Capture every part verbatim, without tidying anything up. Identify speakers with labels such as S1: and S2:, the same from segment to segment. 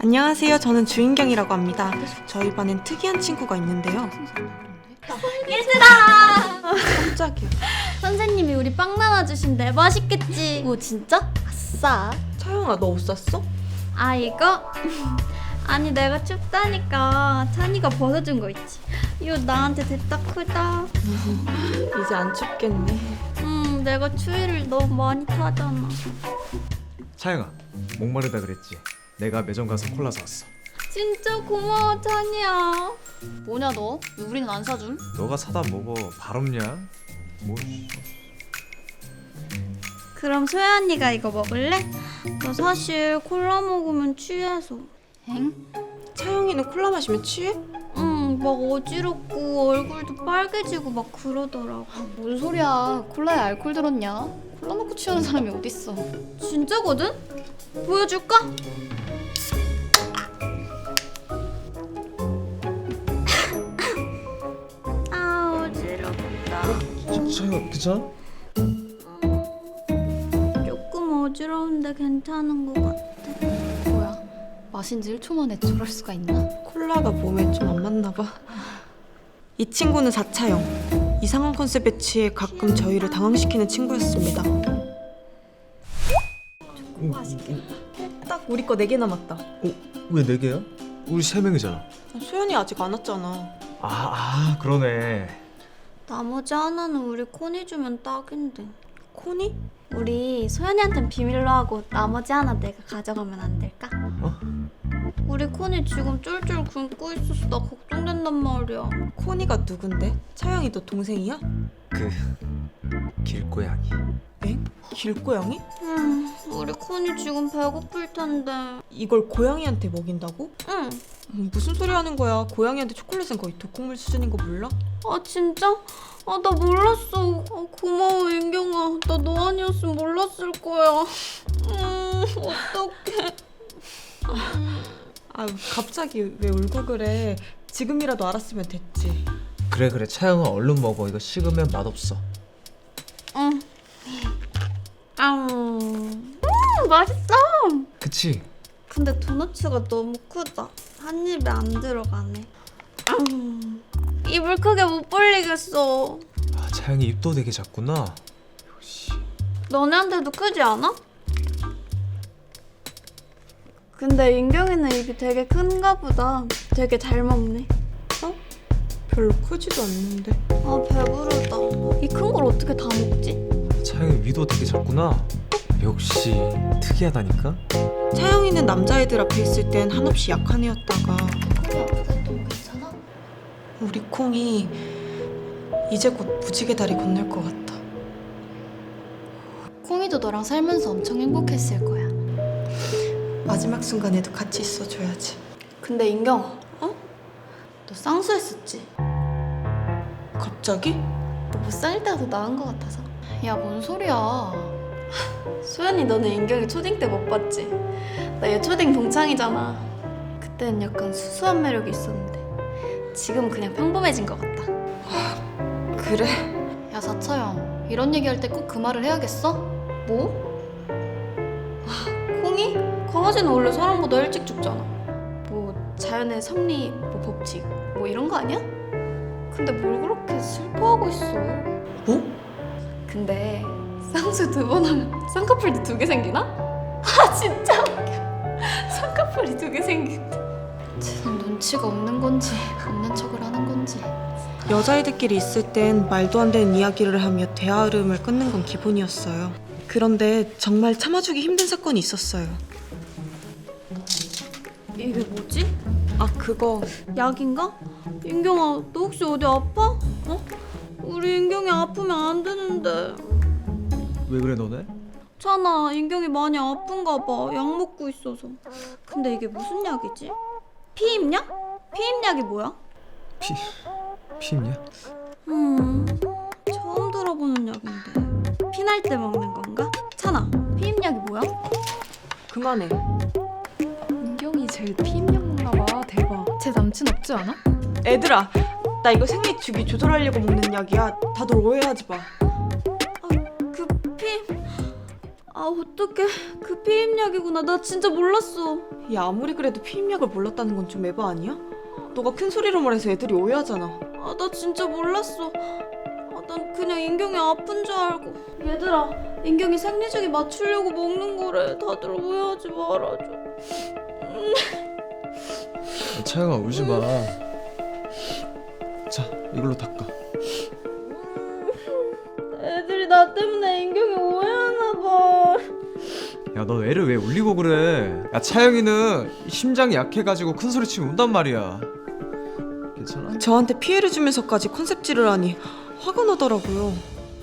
S1: 안녕하세요. 저는 주인경이라고 합니다. 저희 반엔 특이한 친구가 있는데요.
S2: 얘들아!
S1: 깜짝이야.
S2: 선생님이 우리 빵 나눠주신대. 맛있겠지? 오 진짜? 아싸.
S1: 차영아, 너 옷 샀어?
S2: 아 이거? 아니 내가 춥다니까 찬이가 벗어준 거 있지. 이거 나한테 됐다 크다.
S1: 이제 안 춥겠네.
S2: 음 내가 추위를 너무 많이 타잖아.
S3: 차영아, 목마르다 그랬지? 내가 매점 가서 콜라 사왔어.
S2: 진짜 고마워 찬이야. 뭐냐 너? 왜 우리는 안 사줌?
S3: 너가 사다 먹어. 발없냐? 뭐?
S2: 그럼 소연 언니가 이거 먹을래? 나 사실 콜라 먹으면 취해서. 엥?
S1: 차영이는 콜라 마시면 취해?
S2: 응, 막 어지럽고 얼굴도 빨개지고 막 그러더라고.
S4: 뭔 소리야? 콜라에 알코올 들었냐? 콜라 먹고 취하는 사람이 어딨어?
S2: 진짜거든? 보여줄까? 아 어지럽다.
S3: 차영아, 괜찮아?
S2: 조금 어지러운데 괜찮은 것 같아.
S4: 뭐야? 마신 지 일 초 만에 저럴 수가 있나?
S1: 콜라가 몸에 좀 안 맞나 봐. 이 친구는 사차영. 이상한 컨셉에 취해 가끔 저희를 당황시키는 친구였습니다. 맛있겠다. 딱 우리 거 네 개 남았다.
S3: 어? 왜 네 개야? 우리 세 명이잖아.
S1: 소연이 아직 안 왔잖아.
S3: 아, 아 그러네.
S2: 나머지 하나는 우리 코니 주면 딱인데.
S1: 코니?
S2: 우리 소연이한텐 비밀로 하고 나머지 하나 내가 가져가면 안 될까?
S3: 어?
S2: 우리 코니 지금 쫄쫄 굶고 있어서 나 걱정된단 말이야.
S1: 코니가 누군데? 차영이 너 동생이야?
S3: 그 길고양이.
S1: 엥? 길고양이?
S2: 음, 우리 코니 지금 배고플 텐데.
S1: 이걸 고양이한테 먹인다고?
S2: 응.
S1: 음, 무슨 소리 하는 거야? 고양이한테 초콜릿은 거의 독극물 수준인 거 몰라?
S2: 아 진짜? 아 나 몰랐어. 아, 고마워 인경아. 나 너 아니었으면 몰랐을 거야. 음 어떡해.
S1: 아 갑자기 왜 울고 그래? 지금이라도 알았으면 됐지.
S3: 그래 그래 차영아 얼른 먹어. 이거 식으면 맛없어.
S2: 응. 아, 음 맛있어.
S3: 그치?
S2: 근데 도너츠가 너무 크다. 한 입에 안 들어가네. 음, 입을 크게 못 벌리겠어.
S3: 아, 차영이 입도 되게 작구나. 역시.
S2: 너네한테도 크지 않아? 근데 인경이는 입이 되게 큰가 보다. 되게 잘 먹네.
S1: 어? 별로 크지도 않는데.
S2: 아 배부르다. 이 큰 걸 어떻게 다 먹지?
S3: 차영이 위도 되게 작구나. 역시 특이하다니까.
S1: 차영이는 남자애들 앞에 있을 땐 한없이 약한 애였다가
S4: 콜라 아프다 했던 거 괜찮아?
S1: 우리 콩이 이제 곧 무지개 다리 건널 것 같다.
S4: 콩이도 너랑 살면서 엄청 행복했을 거야.
S1: 마지막 순간에도 같이 있어줘야지.
S2: 근데 인경아,
S1: 어?
S2: 너 쌍수했었지?
S1: 갑자기?
S2: 너 못 살릴 때가 더 나은 것 같아서.
S4: 야, 뭔 소리야?
S2: 소연이 너는 인경이 초딩 때 못 봤지? 나 얘 초딩 동창이잖아. 그때는 약간 수수한 매력이 있었는데 지금 그냥 평범해진 것 같다.
S1: 그래?
S4: 야, 사차영. 이런 얘기할 때 꼭 그 말을 해야겠어?
S2: 뭐? 아, 콩이? 강아지는 원래 사람보다 일찍 죽잖아. 뭐 자연의 섭리, 뭐 법칙, 뭐 이런 거 아니야? 근데 뭘 그렇게 슬퍼하고 있어?
S1: 뭐?
S2: 근데 쌍수 두 번 하면 쌍꺼풀도 두 개 생기나? 아 진짜 웃겨. 쌍꺼풀이 두 개 생긴다.
S4: 쟤는 눈치가 없는 건지 없는 척을 하는 건지.
S1: 여자애들끼리 있을 땐 말도 안 되는 이야기를 하며 대화 흐름을 끊는 건 기본이었어요. 그런데 정말 참아주기 힘든 사건이 있었어요.
S2: 이게 뭐지?
S1: 아 그거
S2: 약인가? 인경아 너 혹시 어디 아파? 어? 우리 인경이 아프면 안 되는데.
S3: 왜 그래 너네?
S2: 찬아 인경이 많이 아픈가 봐. 약 먹고 있어서. 근데 이게 무슨 약이지? 피임약? 피임약이 뭐야?
S3: 피... 피임냐?
S2: 음 처음 들어보는 약인데 피날 때 먹는 건가? 찬아 피임약이 뭐야?
S1: 그만해.
S4: 은경이 제일 피임약 먹나 봐. 대박. 제 남친 없지 않아?
S1: 애들아, 나 이거 생리 주기 조절하려고 먹는 약이야. 다들 오해하지 마.
S2: 그 피임... 아 어떡해 그 피임약이구나. 나 진짜 몰랐어.
S1: 야, 아무리 그래도 피임약을 몰랐다는 건 좀 에바 아니야? 너가 큰 소리로 말해서 애들이 오해하잖아.
S2: 아, 나 진짜 몰랐어. 아, 난 그냥 인경이 아픈 줄 알고. 얘들아, 인경이 생리주기 맞추려고 먹는 거래. 다들 오해하지 말아줘.
S3: 차영아 울지 마. 자, 이걸로 닦아.
S2: 애들이 나 때문에 인경이 오해하나 봐.
S3: 야, 너 애를 왜 울리고 그래? 야, 차영이는 심장이 약해가지고 큰 소리 치면 운단 말이야. 괜찮아?
S1: 저한테 피해를 주면서까지 컨셉질을 하니 화가 나더라고요.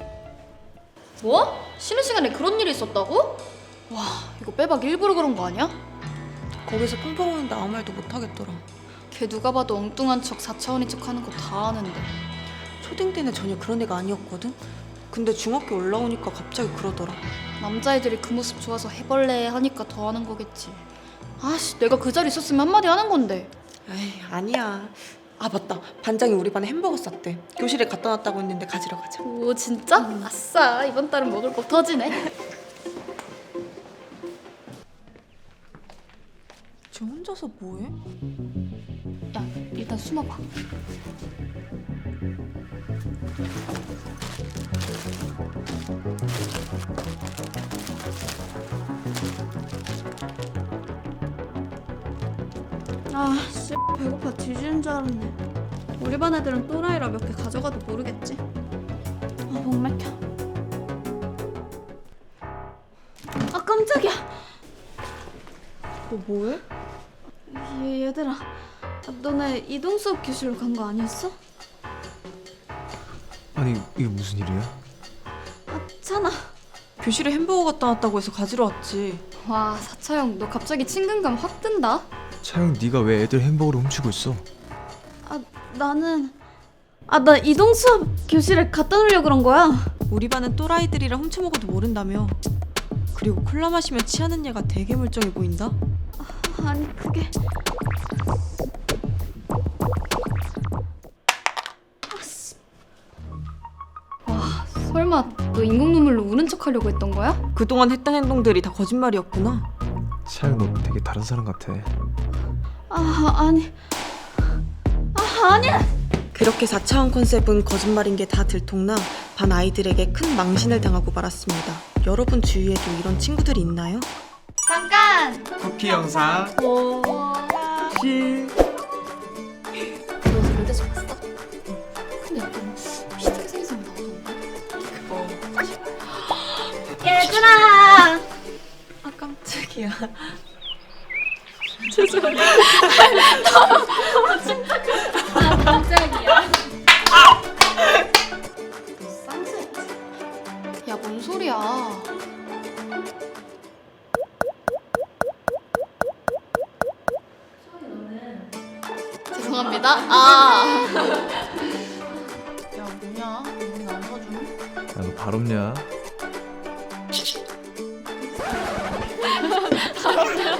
S2: 뭐? 쉬는 시간에 그런 일이 있었다고? 와, 이거 빼박 일부러 그런 거 아니야?
S1: 거기서 펑펑 우는데 아무 말도 못 하겠더라.
S2: 걔 누가 봐도 엉뚱한 척 사차원인 척 하는 거 다 아는데.
S1: 초딩 때는 전혀 그런 애가 아니었거든? 근데 중학교 올라오니까 갑자기 그러더라.
S2: 남자애들이 그 모습 좋아서 해벌레 하니까 더 하는 거겠지. 아씨, 내가 그 자리 있었으면 한마디 하는 건데.
S1: 에이, 아니야. 아, 맞다. 반장이 우리 반에 햄버거 쌌대. 교실에 갖다 놨다고 했는데 가지러 가자.
S2: 오, 진짜? 아싸, 이번 달은 먹을 거 터지네.
S1: 쟤 혼자서 뭐해?
S2: 야, 일단 숨어봐. 아, 씨, 배고파 뒤지는 줄 알았네. 우리 반 애들은 또라이라 몇 개 가져가도 모르겠지. 아, 목 막혀. 아, 깜짝이야.
S1: 너 뭐해?
S2: 얘, 얘들아, 아, 너네 이동 수업 교실로 간 거 아니었어?
S3: 아니, 이게 무슨 일이야?
S2: 아, 찬아.
S1: 교실에 햄버거 갖다 놨다고 해서 가지러 왔지.
S2: 와, 사차영, 너 갑자기 친근감 확 든다.
S3: 차영, 네가 왜 애들 햄버거를 훔치고 있어?
S2: 아, 나는 아, 나 이동 수업 교실에 갖다 놓으려고 그런 거야.
S1: 우리 반은 또라이들이라 훔쳐 먹어도 모른다며. 그리고 콜라 마시면 취하는 얘가 되게 멀쩡해 보인다.
S2: 아니, 그게 아씨. 와, 설마 너 인공 눈물로 우는 척 하려고 했던 거야?
S1: 그동안 했던 행동들이 다 거짓말이었구나.
S3: 차영, 너 되게 다른 사람 같아.
S2: 아, 아니. 아, 아니야.
S1: 그렇게 사 차원 컨셉은 거짓말인 게 다 들통나 반 아이들에게 큰 망신을 당하고 말았습니다. 여러분 주위에도 이런 친구들이 있나요?
S2: 잠깐.
S3: 쿠키 영상.
S2: 오.
S3: 시.
S2: 너 절대서 봤어? 근데 약간 비슷하게 생긴 사람 나오던데. 얘들아.
S1: 아, 깜짝이야.
S2: 아, 깜짝이야. 너 쌍수했지? 야, 뭔 소리야? 죄송합니다. 아. 야, 뭐냐? 우리 안 사주네?
S3: 야, 너 발 없냐?